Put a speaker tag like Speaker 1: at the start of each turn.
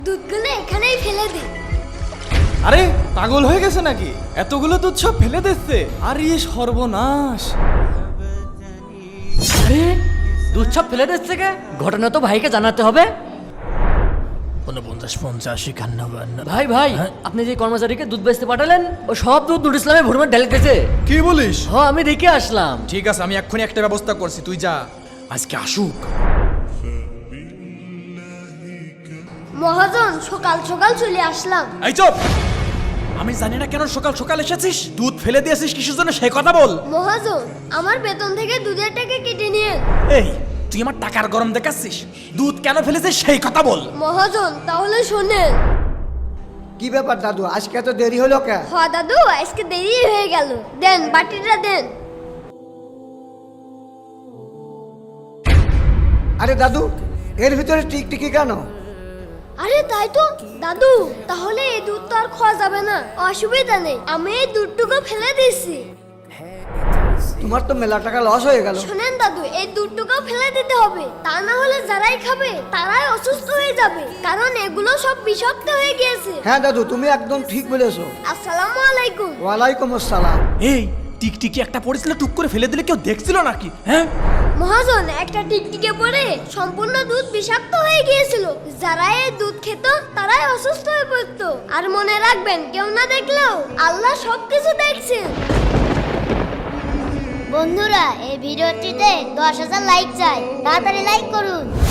Speaker 1: দুধগুলো এখানেই ফেলে দে।
Speaker 2: আরে পাগল হয়ে গেছে নাকি? এতগুলো দুধ সব ফেলে দিচ্ছে। আর ইয়ে সর্বনাশ।
Speaker 3: আরে দুধ সব ফেলে দিচ্ছে কে? ঘটনা তো ভাইকে জানাতে হবে।
Speaker 4: 49, 50, 51।
Speaker 3: ভাই ভাই আপনি যে কর্মচারীকে দুধ বেচতে পাঠালেন ও সব দুধ নুর ইসলামে ভরমে ঢেলে দিয়েছে।
Speaker 2: কি বলিস?
Speaker 3: হ্যাঁ আমি দেখে আসলাম।
Speaker 2: ঠিক আছে, আমি এক্ষুনি একটা ব্যবস্থা করছি, তুই যা। আজকে আসুক।
Speaker 1: মহাজন সকাল সকাল চলে আসলাম।
Speaker 2: এই চুপ! আমি জানি না কেন সকাল সকাল এসেছিস। দুধ ফেলে দিয়েছিস কিসের জন্য সেই কথা বল।
Speaker 1: মহাজন আমার বেতন থেকে দুধের টাকা কেটে নিয়ে।
Speaker 2: এই তুই আমার টাকার গরম দেখাচ্ছিস? দুধ কেন ফেলেছিস সেই কথা বল।
Speaker 1: মহাজন তাহলে শোনেন।
Speaker 5: কি ব্যাপার দাদু, আজকে এত দেরি হলো কে?
Speaker 1: হ দাদু আজকে দেরি হয়ে গেল। দেন বাটিটা দেন।
Speaker 5: আরে দাদু, এর ভিতরে টিকটিকি কেন?
Speaker 1: আরে তাই তো দাদু, তাহলে এই দুধ তো আর খাওয়া যাবে না। অসুবিধা নেই, আমি এই দুধটুকু ফেলে দিচ্ছি।
Speaker 5: তোমার তো মেলা টাকা লস হয়ে গেল।
Speaker 1: শোনেন দাদু, এই দুধটুকু ফেলে দিতে হবে, তা না হলে যারাই খাবে তারাই অসুস্থ হয়ে যাবে, কারণ এগুলো সব বিষাক্ত হয়ে গিয়েছে।
Speaker 5: হ্যাঁ দাদু, তুমি একদম ঠিক বলেছো।
Speaker 1: আসসালামু আলাইকুম।
Speaker 5: ওয়ালাইকুম আসসালাম।
Speaker 2: এই টিকটিকি একটা পড়েছিল, টুক করে ফেলে দিলে কেউ দেখছিল নাকি? হ্যাঁ
Speaker 1: মহাজন একটা টিকটিকে পড়ে সম্পূর্ণ দুধ বিষাক্ত হয়ে গিয়েছিল। যারা এই দুধ খেত তারাই অসুস্থ হয়ে পড়তো। আর মনে রাখবেন, কেউ না দেখলেও আল্লাহ সবকিছু দেখছেন।
Speaker 6: বন্ধুরা এই ভিডিওটিতে 10,000 লাইক চাই, তাড়াতাড়ি লাইক করুন।